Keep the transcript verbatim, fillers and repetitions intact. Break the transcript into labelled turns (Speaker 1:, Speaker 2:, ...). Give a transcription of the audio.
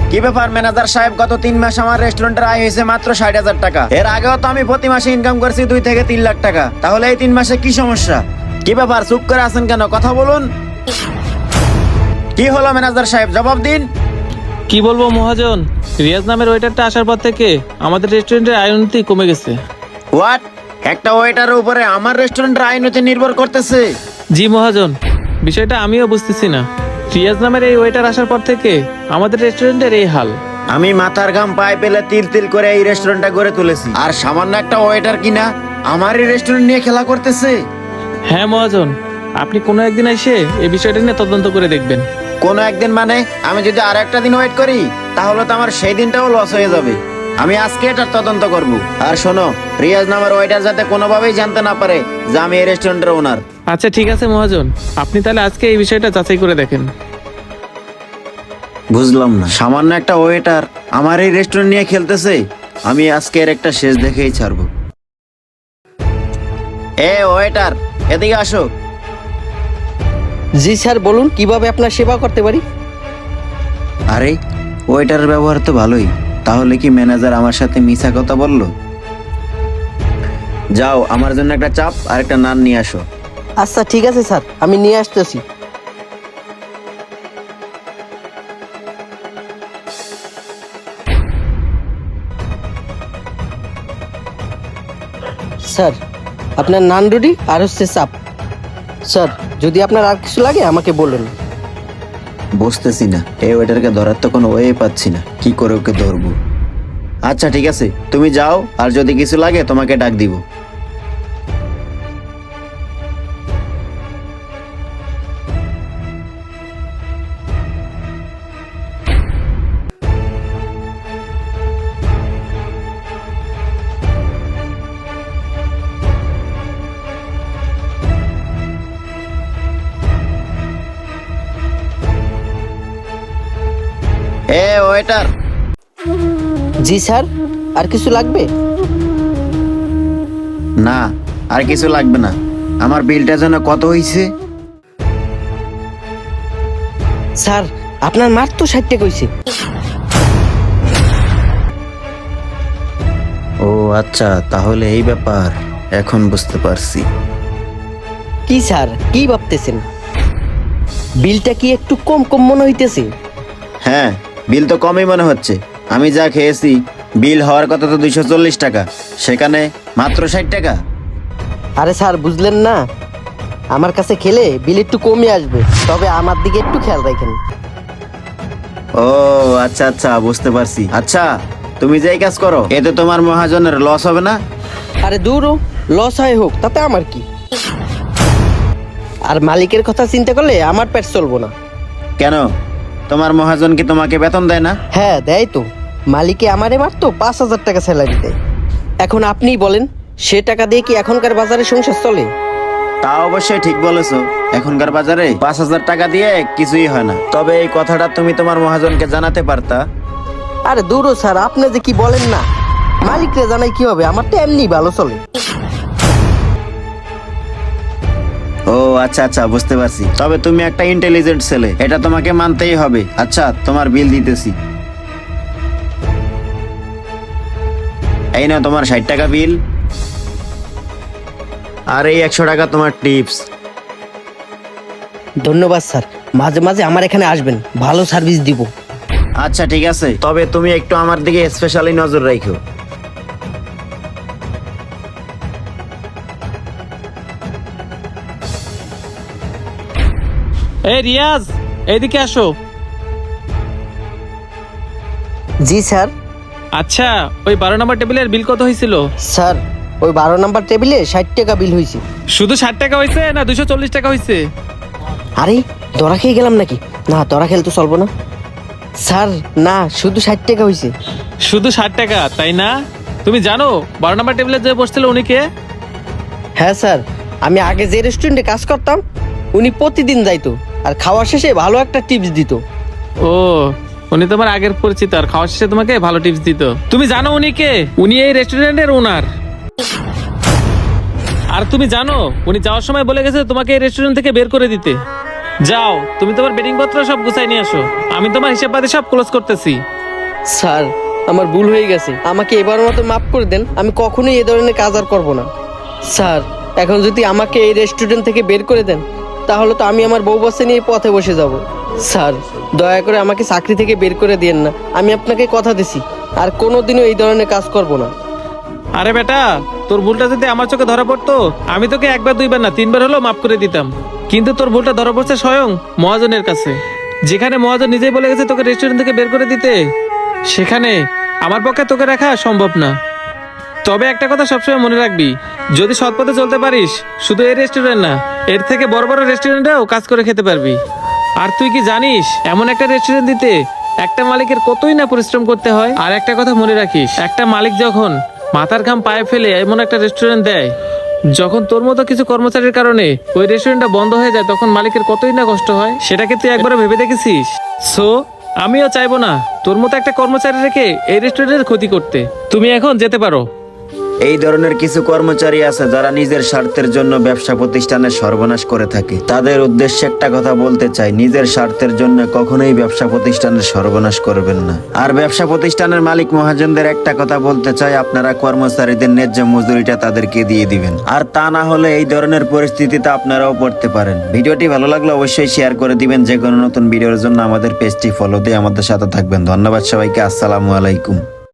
Speaker 1: কি ব্যাপার ম্যানেজার সাহেব, গত তিন মাস আমার রেস্টুরেন্টের আয় হয়েছে মাত্র ষাট হাজার টাকা। এর আগেও তো আমি প্রতি মাসে ইনকাম করছি দুই থেকে তিন লাখ টাকা। তাহলে এই তিন মাসে কি সমস্যা? কি ব্যাপার চুপ করে আছেন কেন? কথা বলুন। কি হলো ম্যানেজার সাহেব, জবাব দিন।
Speaker 2: কি বলবো মহাজন, রিয়াজ নামের ওয়েটারটা আসার পর থেকে আমাদের রেস্টুরেন্টের আয় উন্নতি কমে গেছে।
Speaker 1: হোয়াট? একটা ওয়েটারের উপরে আমার রেস্টুরেন্টের আয় উন্নতি নির্ভর করতেছে?
Speaker 2: জি মহাজন, বিষয়টা আমিও বুঝতেছি না। রিয়াজ নামের এই ওয়েটার আসার পর থেকে আমাদের রেস্টুরেন্টের এই হাল।
Speaker 1: আমি মাথার ঘাম পায়ে পেলে তিল তিল করে এই রেস্টুরেন্টটা গড়ে তুলেছি, আর সামান্য একটা ওয়েটার কিনা আমার এই রেস্টুরেন্ট নিয়ে খেলা করতেছে।
Speaker 2: হ্যাঁ মহাজন, আপনি কোনো একদিন এসে এই বিষয়টা নিয়ে তদন্ত করে দেখবেন।
Speaker 1: কোনো একদিন মানে? আমি যদি আর একটা দিন ওয়েট করি তাহলে তো আমার সেই দিনটাও লস হয়ে যাবে। আমি আজকে এটার তদন্ত করব। আর শোনো, রিয়াজ নামের ওয়েটার যাতে কোনোভাবেই জানতে না পারে যে আমি এই রেস্টুরেন্টের ওনার।
Speaker 2: আচ্ছা ঠিক আছে মহাজন, আপনি তাহলে আজকে এই বিষয়টা যাচাই করে দেখেন।
Speaker 1: বুঝলাম না, সামান্য একটা ওয়েটার আমার এই রেস্টুরেন্ট নিয়ে খেলতেছে। আমি আজকে এর একটা শেষ দেখেই ছাড়বো। এ ওয়েটার, এদিকে আসো।
Speaker 3: জি স্যার, বলুন কিভাবে আপনার সেবা করতে পারি।
Speaker 1: আরে ওয়েটারের ব্যবহার তো ভালোই, তাহলে কি ম্যানেজার আমার সাথে মিছা কথা বললো? যাও আমার জন্য একটা চাপ আর একটা নান নিয়ে আসো।
Speaker 3: আচ্ছা ঠিক আছে স্যার, আমি নিয়ে আসতেছি। স্যার, আপনার নান রুটি আর হচ্ছে চাপ। স্যার, যদি আপনার আর কিছু লাগে আমাকে বলুন।
Speaker 1: বুঝতেছি না, এই ওয়েটারকে ধরার তো কোনো ওয়ে পাচ্ছি না, কি করে ওকে ধরবো। আচ্ছা ঠিক আছে, তুমি যাও, আর যদি কিছু লাগে তোমাকে ডাক দিব। এ ওয়েটার।
Speaker 3: জি স্যার, আর কিছু লাগবে?
Speaker 1: না, আর কিছু লাগবে না। আমার বিলটা যেন কত হইছে?
Speaker 3: স্যার, আপনার মার তো ষাট টাকা হয়েছে।
Speaker 1: ও আচ্ছা, তাহলে এই ব্যাপার, এখন বুঝতে পারছি।
Speaker 3: কি স্যার, কি ভাবতেছেন? বিলটা কি একটু কম কম মনে হইতেছে?
Speaker 1: হ্যাঁ, বিল তো কমই মনে হচ্ছে। আমি যা খেয়েছি বিল হওয়ার কথা তো দুইশো চল্লিশ টাকা, সেখানে মাত্র ষাট টাকা।
Speaker 3: আরে স্যার, বুঝলেন না, আমার কাছে খেলে বিল একটু কমই আসবে, তবে আমার দিকে একটু খেয়াল রাখেন।
Speaker 1: ও আচ্ছা আচ্ছা, বুঝতে পারছি। আচ্ছা তুমি যেই কাজ করো, এতে তোমার মহাজনের লস হবে না?
Speaker 3: আরে দূরও, লস হয় হোক, তাতে আমার কি। আর মালিকের কথা চিন্তা করলে আমার পেট চলবো না।
Speaker 1: কেন, তোমার মহাজন কি তোমাকে বেতন দেয় না?
Speaker 3: হ্যাঁ দেয় তো, মালিকে আমারে মারতো পাঁচ হাজার টাকা স্যালারি দেয়। এখন আপনিই বলেন, সে টাকা দিয়ে কি এখনকার বাজারে সংসার চলে?
Speaker 1: তা অবশ্যই ঠিক বলেছো, এখনকার বাজারে পাঁচ হাজার টাকা দিয়ে কিছুই হয় না। তবে এই কথাটা তুমি তোমার মহাজনকে জানাতে পারতা।
Speaker 3: আরে দূরও স্যার, আপনি যে কি বলেন না, মালিকরে জানাই কি হবে, আমার তো এমনি ভালো চলে।
Speaker 1: ও আচ্ছা আচ্ছা, বুঝতে পারছি। তবে তুমি একটা ইন্টেলিজেন্ট ছেলে, এটা তোমাকে মানতেই হবে। আচ্ছা, তোমার বিল দিতেছি। এই নাও তোমার ষাট টাকা বিল, আর এই একশো টাকা তোমার টিপস।
Speaker 3: ধন্যবাদ স্যার, মাঝে মাঝে আমার এখানে আসবেন, ভালো সার্ভিস দিব।
Speaker 1: আচ্ছা ঠিক আছে, তবে তুমি একটু আমার দিকে স্পেশালি নজর রাখো।
Speaker 2: এই রিয়াজ, এইদিকে আসো।
Speaker 3: জি স্যার।
Speaker 2: আচ্ছা, ওই বারো নম্বর টেবিলের বিল কত হয়েছিল?
Speaker 3: স্যার, ওই বারো নাম্বার টেবিলে ষাট টাকা বিল হয়েছে।
Speaker 2: শুধু ষাট টাকা হয়েছে না দুশো চল্লিশ টাকা হয়েছে?
Speaker 3: আরে ধরা খেয়ে গেলাম নাকি? না, ধরা খেলে তো চলবো না। স্যার না, শুধু ষাট টাকা হয়েছে।
Speaker 2: শুধু ষাট টাকা, তাই না? তুমি জানো বারো নম্বর টেবিলে যে বসছিল উনি কে?
Speaker 3: হ্যাঁ স্যার, আমি আগে যে রেস্টুরেন্টে কাজ করতাম, উনি প্রতিদিন যাইতো আর খাওয়ার শেষে ভালো একটা টিপস দিত।
Speaker 2: ও, উনি তোমার আগের পরিচিত, আর খাওয়ার শেষে তোমাকে ভালো টিপস দিত। তুমি জানো উনি কে? উনি এই রেস্টুরেন্টের ওনার। আর তুমি জানো উনি যাওয়ার সময় বলে গেছে তোমাকে এই রেস্টুরেন্ট থেকে বের করে দিতে। যাও, তুমি তোমার বেডিং পত্র সব গুছাই নিয়ে আসো, আমি তোমার হিসাব পাতি সব ক্লোজ করতেছি।
Speaker 3: স্যার আমার ভুল হয়ে গেছে, আমাকে এবার মতো মাফ করে দেন। আমি কখনোই এ ধরনের কাজ আর করবো না। স্যার এখন যদি আমাকে এই রেস্টুরেন্ট থেকে বের করে দেন তাহলে তো আমি আমার বউ বাচ্চা নিয়ে পথে বসে যাব। স্যার দয়া করে আমাকে চাকরি থেকে বের করে দিয়েন না, আমি আপনাকে কথা দিছি আর কোনোদিনও এই ধরনের কাজ করব না।
Speaker 2: আরে বেটা, তোর ভুলটা যদি আমার চোখে ধরা পড়তো আমি তোকে একবার দুইবার না তিনবার হলেও মাফ করে দিতাম, কিন্তু তোর ভুলটা ধরা পড়ছে স্বয়ং মহাজনের কাছে, যেখানে মহাজন নিজেই বলে গেছে তোকে রেস্টুরেন্ট থেকে বের করে দিতে, সেখানে আমার পক্ষে তোকে রাখা সম্ভব না। তবে একটা কথা সবসময় মনে রাখবি, যদি সৎ পথে চলতে পারিস শুধু এই রেস্টুরেন্ট না, এর থেকে বড় বড় রেস্টুরেন্টেও কাজ করে খেতে পারবি। আর তুই কি জানিস এমন একটা রেস্টুরেন্ট দিতে একটা মালিকের কতই না পরিশ্রম করতে হয়। আর একটা কথা মনে রাখিস, একটা মালিক যখন মাথার ঘাম পায়ে ফেলে এমন একটা রেস্টুরেন্ট দেয়, যখন তোর মতো কিছু কর্মচারীর কারণে ওই রেস্টুরেন্টটা বন্ধ হয়ে যায়, তখন মালিকের কতই না কষ্ট হয়, সেটাকে তুই একবার ভেবে দেখেছিস? সো আমিও চাইবো না তোর মতো একটা কর্মচারী রেখে এই রেস্টুরেন্টের ক্ষতি করতে। তুমি এখন যেতে পারো।
Speaker 1: এই ধরনের কিছু কর্মচারী আছে যারা নিজের স্বার্থের জন্য ব্যবসা প্রতিষ্ঠানের সর্বনাশ করে থাকে। তাদের উদ্দেশ্যে একটা কথা বলতে চাই, নিজের স্বার্থের জন্য কখনোই ব্যবসা প্রতিষ্ঠানের সর্বনাশ করবেন না। আর ব্যবসা প্রতিষ্ঠানের মালিক মহাজনদের একটা কথা বলতে চাই, আপনারা কর্মচারীদের ন্যায্য মজুরিটা তাদেরকে দিয়ে দিবেন, আর তা না হলে এই ধরনের পরিস্থিতিতে আপনারাও পড়তে পারেন। ভিডিওটি ভালো লাগলে অবশ্যই শেয়ার করে দিবেন। যে কোনো নতুন ভিডিওর জন্য আমাদের পেজটি ফলো দিয়ে আমাদের সাথে থাকবেন। ধন্যবাদ সবাইকে, আসসালামু আলাইকুম।